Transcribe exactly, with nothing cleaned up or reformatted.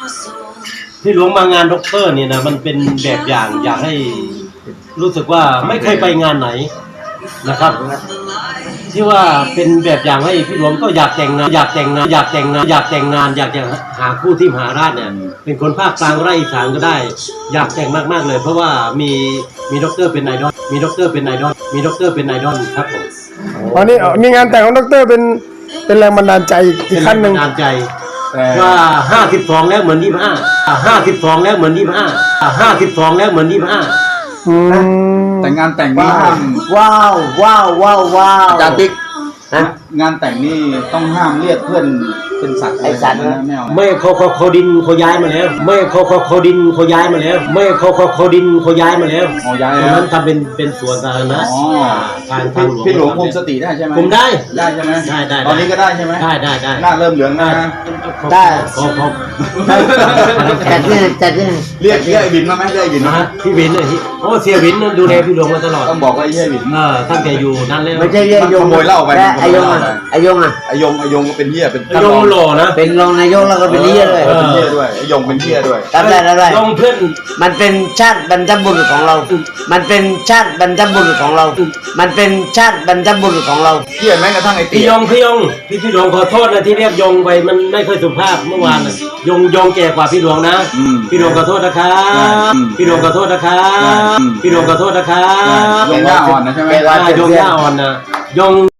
ที่หลวงมางานด็อกเตอร์เนี่ยนะมันเป็นแบบอย่างอยากให้รู้สึกว่าไม่เคยไปงานไหนนะครับที่ว่าเป็นแบบอย่างให้พี่หลวงก็อยากแต่งงานอยากแต่งงานอยากแต่งงานอยากแต่งงานอยากจะหาคู่ที่มหาราชเนี่ยเป็นคนภาคกลางก็ได้อีสานก็ได้อยากแต่งมากๆเลยเพราะว่ามีมีด็อกเตอร์เป็นไอดอลมีด็อกเตอร์เป็นไอดอลมีด็อกเตอร์เป็นไอดอลครับผมตอนนี้มีงานแต่งของดรเป็นเป็นแรงบันดาลใจอีกขั้นหนึ่งเป็นแรงบันดาลใจว่าห้าสิบสองแล้วเหมือนยี่สิบห้าห้าสิบสองแล้วเหมือนยี่สิบห้าห้าสิบสองแล้วเหมือนยี่สิบห้าอืมแต่งานแต่งนี่ห้ามว้าวว้าวว้าวว้าวอาจารย์ติ๊กฮะงานแต่งนี่ต้องห้ามเรียกเพื่อนเป็นสัตว์ไอ้สัตว์นะไม่เอานะไม่เขาเขาเขาดินเขาย้ายมาแล้ว ไม่เขาเขาเขาดินเขาย้ายมาแล้ว ไม่เขาเขาเขาดินเขาย้ายมาแล้วอ๋อย้ายตรแล้งวนั้นทำเป็นเป็นสวนสาธารณะอ๋อทางทางหลวงพี่หลวงคุมสติได้ใช่ไหมคุมได้ได้ใช่ไหมได้ได้ตอนนี้ก็ได้ใช่ไหมได้ได้ได้หน้าเริ่มเหลืองนะได้พอพอจัดที่จัดที่เรียกเรียกไอ้บินมาไหมเรียกไอ้บินนะมาฮะพี่วินเนี่ยโอ้เสียวินนั่นดูแลพี่หลวงมาตลอดต้องบอกว่าไอ้เหี้ยบินเออตั้งแต่อยู่นั่นแล้วไม่ใช่เรียกยงขโมยเหล้าไปและไอยงขโมยอ่ะเหล้าไปไอยงอ่ะไอ้ยงไอ้ยงก็เป็นเหี้ยเป็นไอ้ยงหล่อนะเป็นรองนายกแล้วก็เป็นเลี้ยด้วยเออเป็นเหี้ยด้วยไอ้ยงเป็นเหี้ยด้วยทำได้ทำได้ยงเพื่อนมันเป็นชาติบรรพบุรุษของเรา มันเป็นชาติบรรพบุรุษของเรา มันเป็นชาติบรรพบุรุษของเราเหี้ยแม้กระทั่งไอ้ตีพี่ยงพี่ยงพี่พี่หลวงขอโทษนะที่เรียกยงไปมันไม่ค่อยสุภาพเมื่อวานน่ะยงยงแก่กว่าพี่หลวงนะอืมพี่หลวงขอโทษนะครับอืมพี่หลวงขอโทษนะครับอืมพี่หลวงขอโทษนะครับยงหน้าอ่อนนะใช่ไหมแกว่าอ่ายงย่าอ่อนนะยง